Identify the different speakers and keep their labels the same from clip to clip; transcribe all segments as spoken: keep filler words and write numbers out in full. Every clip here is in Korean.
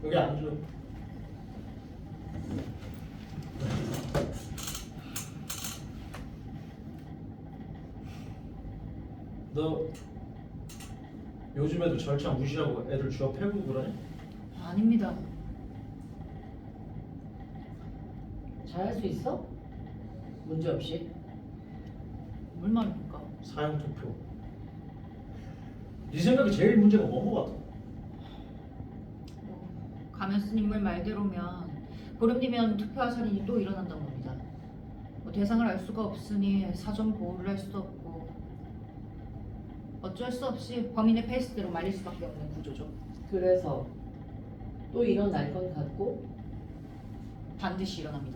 Speaker 1: 여기 앉아. 너 요즘에도 절차 무시하고 애들 주워 패고 그러냐?
Speaker 2: 아닙니다.
Speaker 3: 잘할 수 있어? 문제 없이?
Speaker 2: 뭘 말입니까?
Speaker 1: 사형 투표. 네 생각에 제일 문제가 뭔 거 같아?
Speaker 2: 뭐, 가면 스님물 말대로면 보름 뒤면 투표할 살인이 또 일어난다고 합니다. 뭐 대상을 알 수가 없으니 사전 보호를 할 수도 없고 어쩔 수 없이 범인의 페이스대로 말릴 수밖에 없는 구조죠.
Speaker 3: 그래서 또 일어날 건 같고?
Speaker 2: 반드시 일어납니다.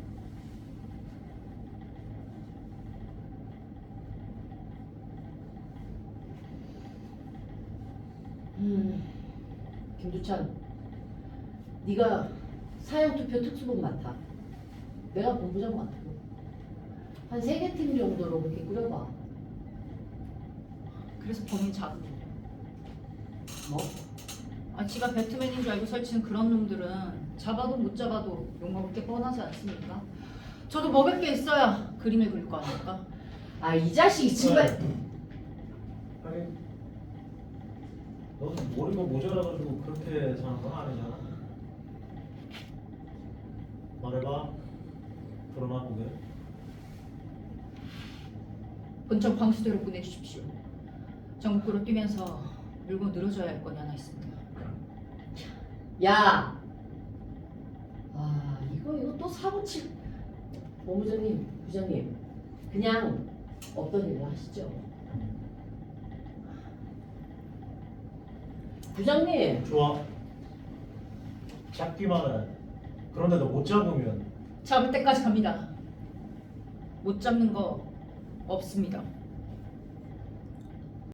Speaker 3: 음, 김두찬, 네가 사형투표 특수본 맡아. 내가 본부장 맡고 한 세 개 팀 정도로 그렇게 꾸려봐.
Speaker 2: 그래서 범인 잡으면
Speaker 3: 뭐?
Speaker 2: 아, 지가 배트맨인 줄 알고 설치는 그런 놈들은 잡아도 못 잡아도 욕먹을 게 뻔하지 않습니까? 저도 먹을 게 있어야 그림을 그릴 거 아닙니까?
Speaker 3: 아, 이 자식이 정말.
Speaker 1: 아니, 너도 머리가 모자라가지고 그렇게 사는 건 아니잖아. 말해봐. 드러나 보게.
Speaker 2: 본청 방수대로 보내주십시오. 전국으로 뛰면서 물고 늘어져야 할 건이 하나 있습니다.
Speaker 3: 야! 아, 이거 이거 또 사고 칠. 본부장님, 부장님, 그냥 없던 일을 하시죠. 부장님,
Speaker 1: 좋아. 잡기만 해. 그런데 너 못 잡으면
Speaker 2: 잡을 때까지 갑니다. 못 잡는 거 없습니다.